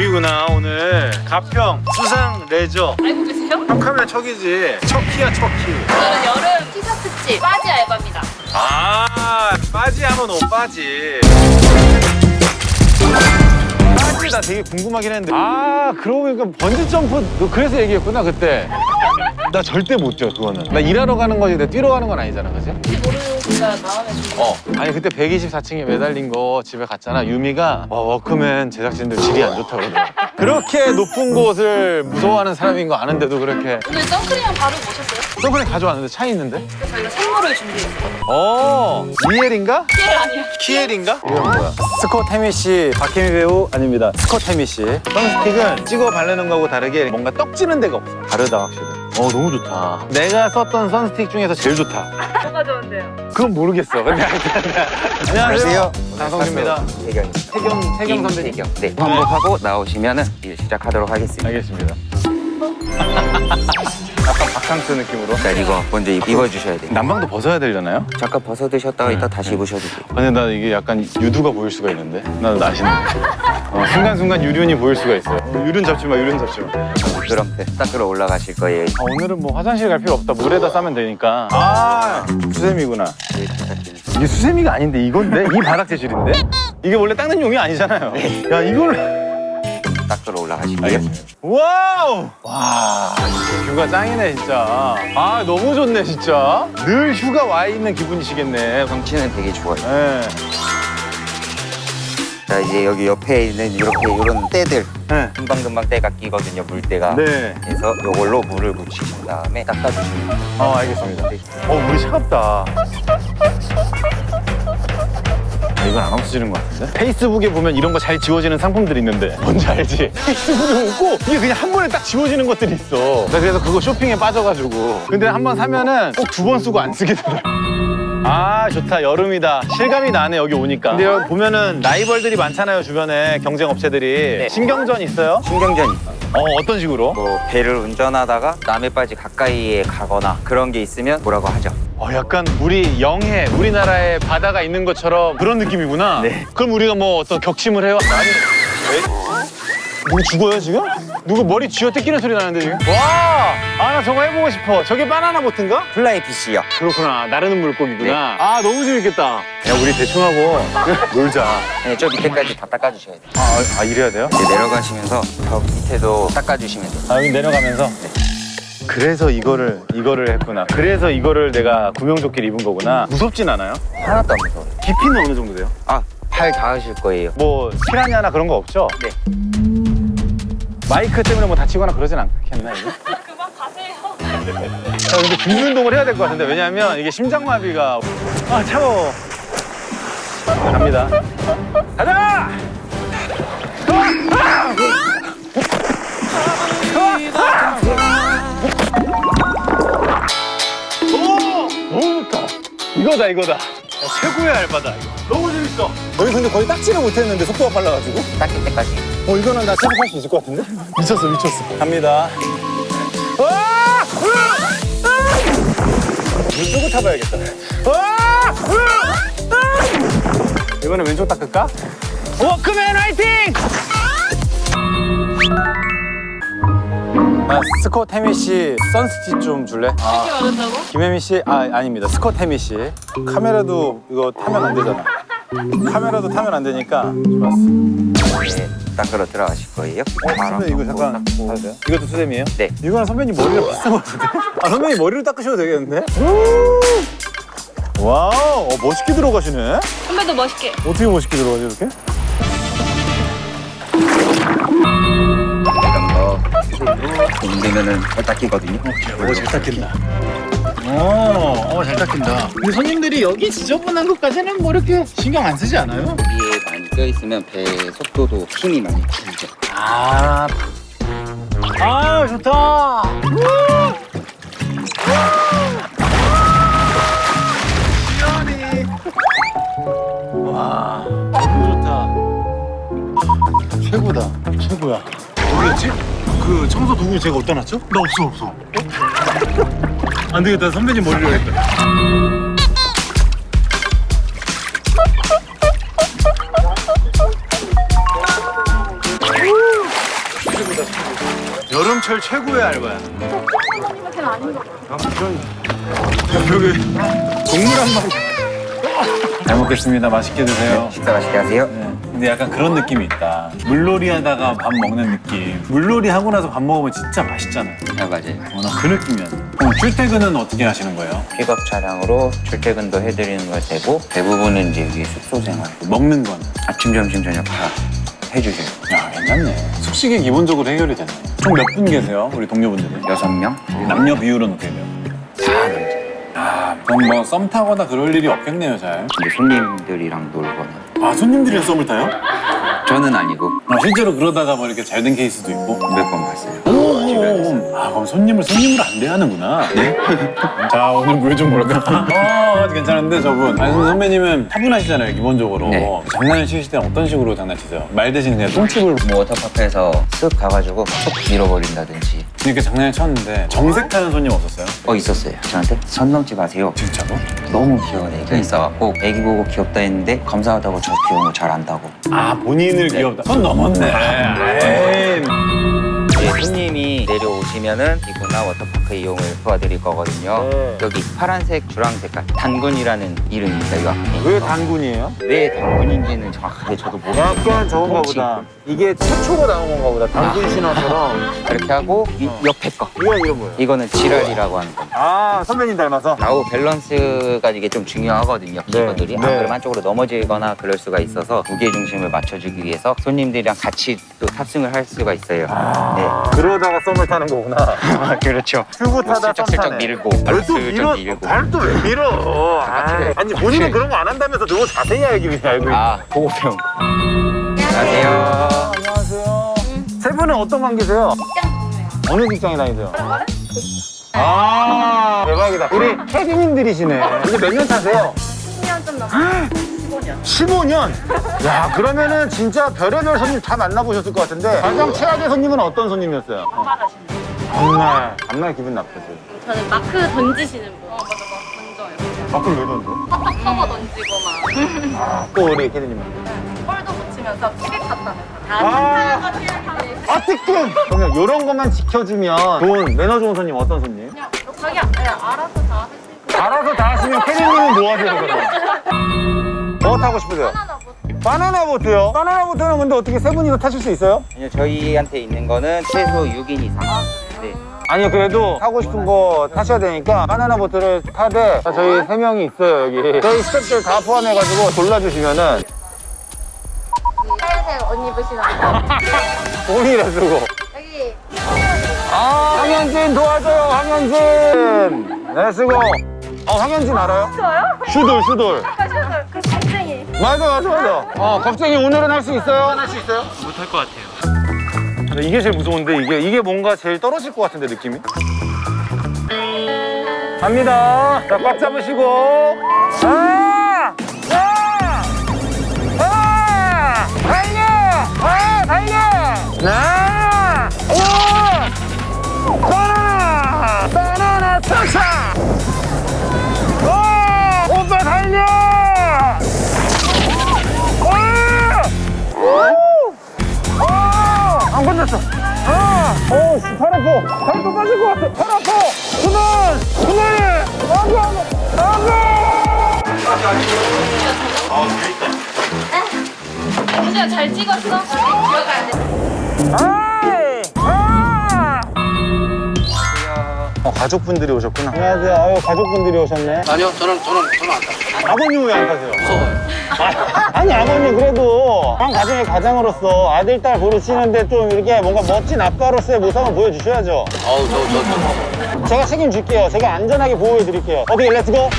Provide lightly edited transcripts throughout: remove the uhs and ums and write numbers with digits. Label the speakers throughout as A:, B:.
A: 주sem이구나 오늘. 가평 수상 레저.
B: 알고 계세요?
A: 형 카메라 척이지. 척키야 척키.
B: 오늘은 여름 티셔츠집 바지 알바입니다.
A: 아 빠지하면 오빠지. 빠지 나 되게 궁금하긴 했는데. 아 그러고 보니까 번지 점프 너 그래서 얘기했구나 그때. 나 절대 못 뛰어 그거는. 나 일하러 가는 거지 내가 뛰러 가는 건 아니잖아 그지?
B: 혹시 모르니까 다음에 좀.
A: 아니 그때 124층에 매달린 거 집에 갔잖아. 유미가 워크맨 제작진들 질이 안 좋다고 그러더라. 그렇게 높은 곳을 무서워하는 사람인 거 아는데도 그렇게.
B: 오늘 선크림 바르고 오셨어요?
A: 선크림 가져왔는데 차에 있는데?
B: 그래서 저희가 선물을 준비했어요.
A: 리엘인가?
B: 피엘 아니야.
A: 키엘인가?
C: 이건 뭐야? 스콧 해미 씨, 박혜미 배우 아닙니다. 스콧 해미 씨.
A: 선스틱은 찍어 바르는 거하고 다르게 뭔가 떡지는 데가 없어.
C: 다르다 확실히.
A: 너무 좋다. 내가 썼던 선스틱 중에서 제일 좋다.
B: 뭐가 좋은데요?
A: 그건 모르겠어. 근데 안녕하세요. 장성규입니다. 태경 선배님.
D: 태경. 네, 환복하고 나오시면은 이제 시작하도록 하겠습니다.
A: 알겠습니다. 약간 바캉스 느낌으로.
D: 자, 이거 먼저 입어주셔야 돼요.
A: 난방도 벗어야 되려나요?
D: 잠깐 벗어 드셨다가 이따 다시 입으셔도 돼요.
A: 아니 나 이게 약간 유두가 보일 수가 있는데. 나 나시는. 순간순간 유륜이 보일 수가 있어요. 유륜 잡지 마, 유륜 잡지 마.
D: 그럼 닦으러 올라가실 거예요.
A: 오늘은 뭐 화장실 갈 필요 없다. 물에다 싸면 되니까. 아, 수세미구나.
D: 네, 부탁드립니다.
A: 이게 수세미가 아닌데 이건데? 이 바닥 재질인데? 이게 원래 닦는 용이 아니잖아요. 야, 이걸.
D: 닦으러 올라가실게요.
A: 알겠습니다. 와우! 와, 뷰가 짱이네, 진짜. 아, 너무 좋네, 진짜. 늘 휴가 와 있는 기분이시겠네.
D: 경치는 되게 좋아요.
A: 네.
D: 자, 이제 여기 옆에 있는 이렇게 이런 때들
A: 네.
D: 금방금방 때가 끼거든요, 물때가.
A: 네.
D: 그래서 이걸로 물을 묻히신 다음에 닦아주시면 돼요.
A: 알겠습니다. 물이 차갑다. 이건 안 없어지는 것 같은데? 페이스북에 보면 이런 거 잘 지워지는 상품들이 있는데 뭔지 알지? 페이스북에 웃고 이게 그냥 한 번에 딱 지워지는 것들이 있어. 나 그래서 그거 쇼핑에 빠져가지고. 근데 한 번 사면은 꼭 2번 쓰고 안 쓰게 되더라. 아 좋다 여름이다. 실감이 나네 여기 오니까. 근데 여기 보면은 라이벌들이 많잖아요 주변에 경쟁 업체들이. 신경전 있어요?
D: 신경전이 있어요.
A: 어떤 식으로?
D: 뭐 배를 운전하다가 남의 바지 가까이에 가거나 그런 게 있으면 뭐라고 하죠.
A: 약간 우리 영해 우리나라에 바다가 있는 것처럼 그런 느낌이구나.
D: 네.
A: 그럼 우리가 뭐 어떤 격침을 해요? 아니. 누구 죽어요 지금? 누구 머리 쥐어 뜯기는 소리 나는데 지금? 와! 아 나 저거 해보고 싶어. 저게 바나나 보트인가?
D: 플라이 피시요.
A: 그렇구나. 나르는 물고기구나.
D: 네.
A: 아 너무 재밌겠다. 야 우리 대충 하고 놀자.
D: 네, 저 밑에까지 다 닦아주셔야 돼요.
A: 이래야 돼요?
D: 이제 내려가시면서 저 밑에도 닦아주시면 돼요.
A: 여기 내려가면서. 그래서 이거를 했구나. 그래서 이거를 내가 구명조끼를 입은 거구나. 무섭진 않아요?
D: 하나도 안 무서워요.
A: 깊이는 어느 정도 돼요?
D: 팔 닿으실 거예요.
A: 뭐 피라냐나 그런 거 없죠?
D: 네.
A: 마이크 때문에 뭐 다치거나 그러진 않겠나 이거?
B: 그만 가세요.
A: 근데 준비 운동을 해야 될 것 같은데 왜냐면 이게 심장마비가 차가워. 갑니다. 가자! 너무 좋다. 이거다. 최고의 알바다 이거. 너무 재밌어.
C: 너희 근데 거의 딱지를 못했는데 속도가 빨라가지고.
D: 닦일 때까지.
C: 이거는 나 체력할 수 있을 것 같은데? 미쳤어. 갑니다. 물 끄고 타봐야겠다.
A: 이번엔 왼쪽 닦을까? 워크맨 화이팅!
C: 나 스콧 해미 씨 선스틱 좀 줄래?
B: 이렇게 바른다고?
C: 김혜미 씨? 아닙니다. 스콧 해미 씨. 카메라도 이거 타면 안 되잖아. 카메라도 타면 안 되니까 좋았어.
D: 네, 닦으러 들어가실 거예요.
C: 선배님 이거 잠깐 봐도 돼요? 이것도 수세미예요?
D: 네.
C: 이거랑 선배님 머리랑 비슷한 것 같은데? 선배님 머리를 닦으셔도 되겠는데? 와우, 멋있게 들어가시네?
B: 선배도 멋있게.
C: 어떻게 멋있게 들어가지 이렇게?
D: 힘들면은 잘 닦이거든요.
A: 잘 닦인다. 잘 닦인다. 근데 손님들이 여기 지저분한 것까지는 뭐 이렇게 신경 안 쓰지 않아요?
D: 위에 많이 껴있으면 배 속도도 힘이 많이 줄죠.
A: 좋다. 시원해. 와, 너무 좋다. 최고야. 어디였지? 그 청소 도구 제가 어디다 놨죠? 나 없어. 안 되겠다. 선배님 머리로 해야겠다.
C: 제철 최고의 알바야.
B: 선생님은 걔는 아닌 것 같아요.
C: 여기 동물 한 마리. 잘 먹겠습니다. 맛있게 드세요.
D: 식사 맛있게 하세요.
C: 네. 근데 약간 그런 느낌이 있다. 물놀이 하다가 밥 먹는 느낌. 물놀이 하고 나서 밥 먹으면 진짜 맛있잖아요.
D: 네, 맞아요.
C: 나 그 느낌이야. 그럼 출퇴근은 어떻게 하시는 거예요?
D: 픽업 차량으로 출퇴근도 해드리는 걸 되고 대부분은 이제 여기 숙소 생활.
C: 먹는 건?
D: 아침, 점심, 저녁 다 해주세요.
C: 야, 괜찮네. 숙식이 기본적으로 해결이 됐네. 총 몇 분 계세요? 우리 동료분들은?
D: 6명?
C: 남녀 비율은 어떻게 돼요?
D: 다 남자.
C: 아, 그럼 뭐 썸 타거나 그럴 일이 없겠네요, 잘.
D: 이제 손님들이랑 놀거나.
C: 아, 손님들이랑 썸을 타요?
D: 저는 아니고
C: 아, 실제로 그러다가 뭐 이렇게 잘 된 케이스도 있고?
D: 몇 번 봤어요.
C: 아, 그럼 손님을 안 대하는구나. 네? 자, 오늘 물 좀 볼까? 괜찮은데 저분. 아니, 선배님은 차분하시잖아요, 기본적으로.
D: 네.
C: 장난을 치실 때는 어떤 식으로 장난치세요? 말 대신 그냥 똥집을
D: 뭐 워터파크에서 쓱 가가지고 쏙 밀어버린다든지.
C: 이렇게 장난을 쳤는데 정색하는 손님 없었어요?
D: 있었어요. 저한테 선 넘지 마세요.
C: 진짜로?
D: 너무 귀여운 애가 있어갖고 애기 보고 귀엽다 했는데 감사하다고 저 귀여운 거 잘 안다고.
C: 아, 본인을 귀엽다. 손 넘었네. 에이.
D: 이제 손님이 내려오시면은 기구나 워터파크 이용을 도와드릴 거거든요.
C: 네.
D: 여기 파란색, 주황색깔 단군이라는 이름입니다. 이거 앞에.
C: 왜 단군이에요?
D: 왜 단군인지는 정확하게 저도 모르겠어요.
C: 약간 저건가 보다. 이게 최초로 나온 건가 보다. 단군 신화처럼.
D: 이렇게 하고 이 옆에 거.
C: 이건 뭐예요?
D: 이거는 지랄이라고 하는 겁니다.
C: 아, 선배님 닮아서?
D: 좌우 밸런스가 이게 좀 중요하거든요. 기구들이.
C: 네.
D: 안 그러면 한쪽으로 넘어지거나 그럴 수가 있어서 무게 중심을 맞춰주기 위해서 손님들이랑 같이 또 탑승을 할 수가 있어요. 네.
C: 그러다가 썸을 타는 거구나.
D: 그렇죠.
C: 큐브 타다 썸
D: 슬쩍슬쩍
C: 타네.
D: 밀고 발로 슬쩍 밀고.
C: 발을 또 왜 밀어? 아니, 본인은 그런 거 안 한다면서 너무 자세히 알고 있네.
D: 보고 배운 거. 안녕하세요.
C: 안녕하세요. 세 분은 어떤 관계세요? 어느 직장에 다니세요? 아, 대박이다. 우리 혜진님들이시네. 이제 몇 년 차세요?
B: 10년 좀 넘었어요. 15년.
C: 15년? 야, 그러면은 진짜 별의별 손님 다 만나보셨을 것 같은데 가장 최악의 손님은 어떤 손님이었어요?
B: 받아시는
C: 정말 기분 나쁘지.
B: 저는 마크 던지시는 분. 맞아, 막 던져요.
C: 밖을 왜 던져?
B: 팍팍 커버 던지고 막.
C: 또 우리 혜진님은?
B: 볼도 못 치면서 티켓 갔다는 거.
C: 아.
B: 다 티켓
C: 아, 뜨끔! 그냥 이런 것만 지켜주면 좋은, 매너 좋은 손님 어떤 손님?
B: 그냥 자기 알아서 다 하실 거.
C: 알아서 다 하시면 혜진님은 뭐 하세요, 그럼? 뭐 타고 싶으세요?
B: 하나 못.
C: 바나나 보트요? 바나나 보트는 근데 어떻게 세 분이서 타실 수 있어요?
D: 아니요, 저희한테 있는 거는 최소 6인 이상. 네.
C: 아니요, 그래도 타고 싶은 거 타셔야 되니까 바나나 보트를 타되 저희 세 명이 있어요, 여기. 저희 스태프들 다 포함해가지고 골라주시면은
B: 하얀색 옷 입으시는 거.
C: 돈이라 쓰고.
B: 여기.
C: 아, 황현진 도와줘요, 황현진. 네, 쓰고. 황현진 알아요?
B: 좋아요?
C: 슈돌.
B: 그 겁쟁이.
C: 맞아. 겁쟁이 오늘은 할 수 있어요? 할 수 있어요?
E: 못할 것 같아요.
C: 이게 제일 무서운데, 이게 뭔가 제일 떨어질 것 같은데, 느낌이? 갑니다. 자, 꽉 잡으시고. 달려! 바나나 터차! 오빠 달려! 안 건졌어. 팔 아파. 팔도 빠질 것 같아. 팔 아파. 그만!
B: 우주야 잘 찍었어? 기억이 안 돼.
C: 가족분들이 오셨구나. 안녕하세요. 가족분들이 오셨네.
E: 아니요, 저는 안 타요.
C: 아버님 왜 안 타세요?
E: 무서워요.
C: 아니, 아버님 그래도 한 가정의 가장으로서 아들, 딸 고르시는데 좀 이렇게 뭔가 멋진 아빠로서의 모습을 보여주셔야죠.
E: 아우,
C: 제가 책임질게요. 제가 안전하게 보호해드릴게요. 어떻게 렛츠고?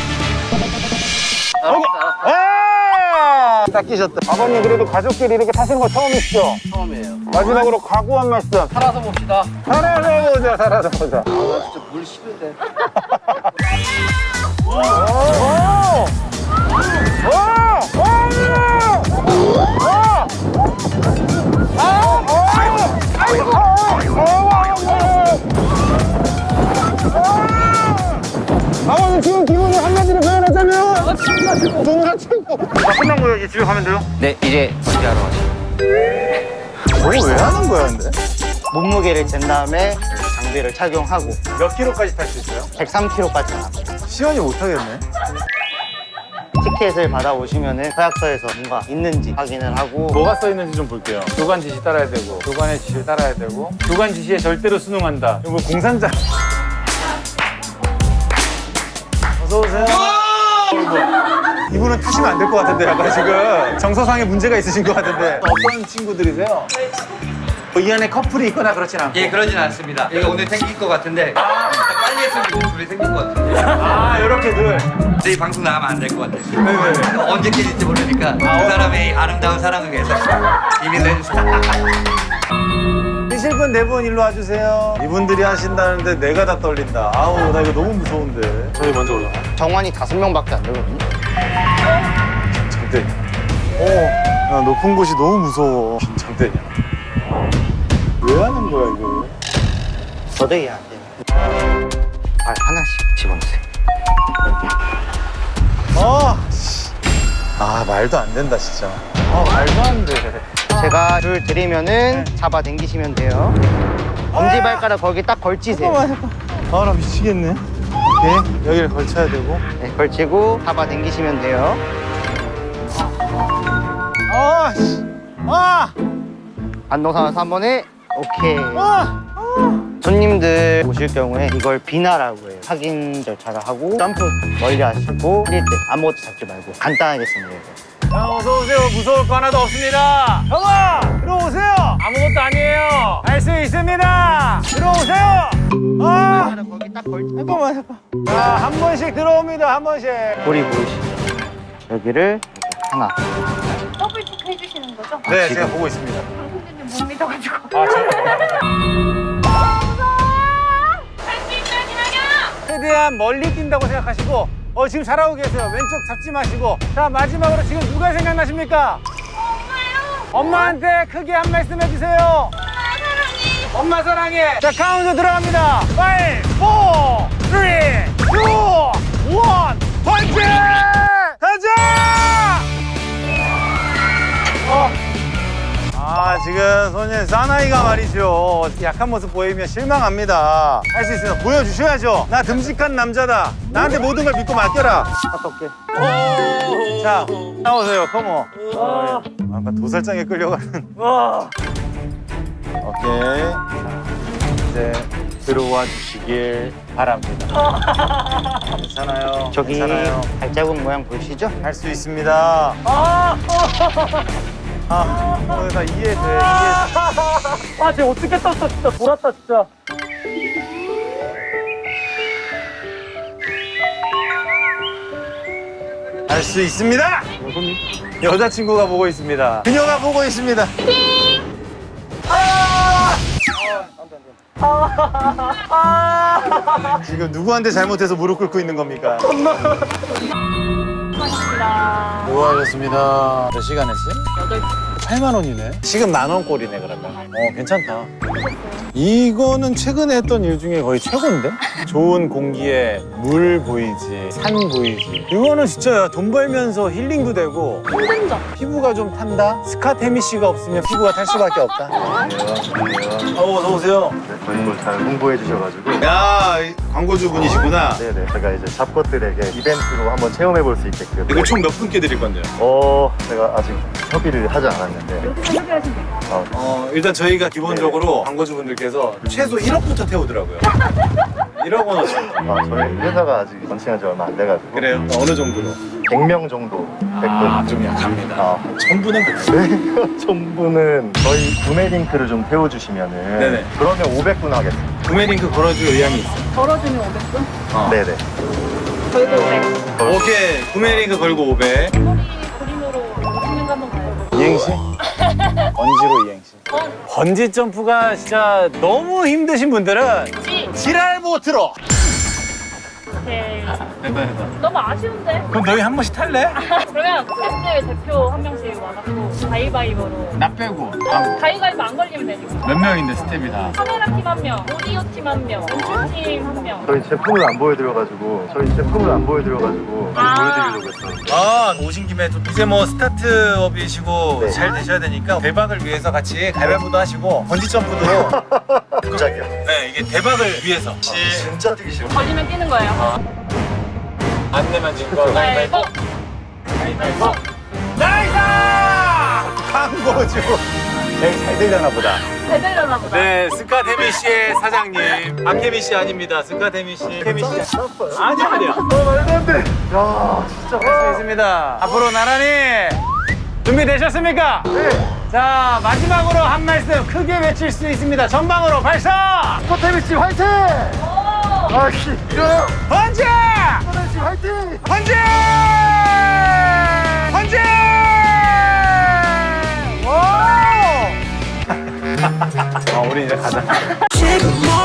C: 딱 끼셨다. 아버님 그래도 가족끼리 이렇게 타시는 거 처음이시죠?
E: 처음이에요.
C: 마지막으로 각오 한 말씀.
E: 살아서 봅시다.
C: 살아서 보자.
E: 아, 나 진짜 물 싫은데.
C: 아버님 지금 기분을 한마디로 표현하자면 정말 최고. 끝난 거예요? 이제 집에 가면 돼요?
D: 네, 이제 번지하러 가시죠.
C: 저거 왜 하는 거야 근데?
F: 몸무게를 잰 다음에 장비를 착용하고
A: 몇 킬로까지 탈 수 있어요?
F: 103kg까지 나갑니다.
A: 시연이 못하겠네.
F: 티켓을 받아오시면은 서약서에서 뭔가 있는지 확인을 하고
A: 뭐가 써 있는지 좀 볼게요. 교관 지시 따라야 되고, 교관의 지시를 따라야 되고, 교관 지시에 절대로 순응한다. 이거 뭐 공산자. 어서 오세요. 이분은 타시면 안 될 것 같은데, 약간 지금 정서상의 문제가 있으신 것 같은데. 어떤 친구들이세요? 이 안에 커플이 있거나 그렇진 않고.
E: 예, 그러진 않습니다. 이거 오늘 생길 것 같은데 빨리 했으면 둘이 생길 것 같은데
A: 아, 이렇게들.
E: 저희 방송 나가면 안 될 것 같아요.
A: 네네.
E: 언제 깨질지 모르니까 그 사람의 아름다운 사랑을 위해서 비밀로 해주세요.
A: 뛰실 분 네 분 일로 와주세요. 이분들이 하신다는데 내가 다 떨린다. 아우, 나 이거 너무 무서운데. 저희 먼저 올라가.
F: 정원이 5명밖에 안 되거든요.
A: 장대. 나 높은 곳이 너무 무서워. 장대냐. 왜 하는 거야, 이거?
F: 저도 이해 안 돼요. 발 하나씩 집어넣으세요.
A: 말도 안 된다, 진짜. 말도 안 돼.
F: 제가 줄 드리면은 잡아당기시면 돼요. 엄지발가락 거기 딱 걸치세요.
A: 나 미치겠네. 오케이, 여기를 걸쳐야 되고.
F: 네, 걸치고 잡아당기시면 돼요. 반동상에서 한 번에 오케이. 손님들 오실 경우에 이걸 비나라고 해요. 확인 절차를 하고 점프 멀리 하시고 뛸 때 아무것도 잡지 말고 간단하게 쓰면 돼요.
A: 어서 오세요. 무서울 거 하나도 없습니다. 형아, 들어오세요. 아무것도 아니에요. 할 수 있습니다. 들어오세요.
F: 거기 딱 걸치.
A: 자, 한 번씩 들어옵니다. 한 번씩.
F: 고리 보이시죠? 여기를 이렇게 하나.
B: 더블 체크 해주시는 거죠?
A: 네, 제가 보고 있습니다.
B: 선생님 못 믿어가지고. 할수 있다니요!
A: 최대한 멀리 뛴다고 생각하시고 지금 잘하고 계세요. 왼쪽 잡지 마시고. 자, 마지막으로 지금 누가 생각나십니까? 엄마한테 크게 한 말씀 해주세요. 엄마 사랑해. 자, 카운트 들어갑니다. 5, 4, 3, 2, 1, 펀치! 가자! 지금 소년 사나이가 말이죠. 약한 모습 보이면 실망합니다. 할 수 있습니다. 보여주셔야죠. 나 듬직한 남자다. 나한테 모든 걸 믿고 맡겨라.
F: 어떻게?
A: 자, 나오세요. 컴온. 아까 도살장에 끌려가는. 오케이. 자, 이제 들어와 주시길 바랍니다. 괜찮아요.
F: 저기
A: 괜찮아요.
F: 발자국 모양 보이시죠?
A: 할 수 있습니다. 다 이해돼.
G: 쟤 어떻게 떴어, 진짜. 돌았다, 진짜.
A: 할 수 있습니다. 여자친구가 보고 있습니다. 그녀가 보고 있습니다. 지금 누구한테 잘못해서 무릎 꿇고 있는 겁니까? 수고하셨습니다. 몇 시간 했어요? 8만 원이네. 지금 10,000원 꼴이네, 그러면. 괜찮다. 이거는 최근에 했던 일 중에 거의 최고인데? 좋은 공기에 물 보이지, 산 보이지. 이거는 진짜 돈 벌면서 힐링도 되고.
B: 힘든 점.
A: 피부가 좀 탄다? 스카테미 씨가 없으면 피부가 탈 수밖에 없다. 어서 오세요.
H: 네, 저희 걸 잘 홍보해 주셔가지고
A: 야, 광고주분이시구나.
H: 네네 제가 이제 잡것들에게 이벤트로 한번 체험해 볼 수 있게끔
A: 이거 총 몇 분께 드릴 건데요?
H: 제가 아직 협의를 하지 않았는데
B: 여기서 협의하시면 돼요.
A: 일단 저희가 기본적으로 광고주분들께서 최소 1억부터 태우더라고요. 1억 원어치.
H: 저희 회사가 아직 런칭한 지 얼마 안 돼가지고
A: 그래요? 어느 정도로?
H: 100명 정도 됐거든요.
A: 좀 약합니다. 1000분은 그래요.
H: 네, 전부는 저희 구매 링크를 좀 태워주시면은
A: 네네.
H: 그러면 500분 하겠습니다.
A: 구매 링크 걸어줄 의향이 있어요.
B: 걸어주면 500분?
H: 네네.
B: 걸고 500.
A: 오케이. 구매 링크 걸고 500.
B: 머리 그림으로 오시는 거 한번 가요.
A: 이행시? 번지로 이행시. 번지 점프가 진짜 너무 힘드신 분들은 지랄 보트로.
B: 네.
C: 됐다.
B: 너무 아쉬운데?
C: 그럼 너희 한 번씩 탈래?
B: 그러면 스태프들 대표 한 명씩 와갖고 가위바위보로.
C: 나 빼고.
B: 가위바위보 안 걸리면 되니까.
C: 몇 명인데 스텝이 다.
B: 카메라 팀 한 명, 오디오 팀 한 명, 연출팀 한 명.
H: 저희 제품을 안 보여드려가지고 보여드리려고 했어요.
C: 아, 오신 김에 좀 이제 뭐 스타트업이시고 잘 되셔야 되니까 대박을 위해서 같이 가위바위보도 하시고 번지점프도
H: 갑자기요?
C: 네, 이게 대박을 위해서.
H: 진짜 뛰기 싫어.
B: 걸리면 뛰는 거예요.
C: 안 내면 진 거.
B: 가위바위보.
C: 가위바위보. 나이스! 광고주.
A: 되게 잘 되려나 보다.
B: 잘 되려나 보다.
C: 네, 스카데미 씨의 사장님. 박혜미 씨 아닙니다. 스카데미 씨. 혜미 씨. 아니야.
H: 말도 안 돼. 야, 진짜.
C: 할 수 있습니다. 앞으로 나란히 준비되셨습니까? 네. 자, 마지막으로 한 말씀 크게 외칠 수 있습니다. 전방으로 발사!
H: 스포테미 씨 화이팅! 아씨, 이거.
C: 번지!
H: 스포테미 씨 화이팅!
C: 번지! 번지! 오! 우리 이제 가자.
I: 지금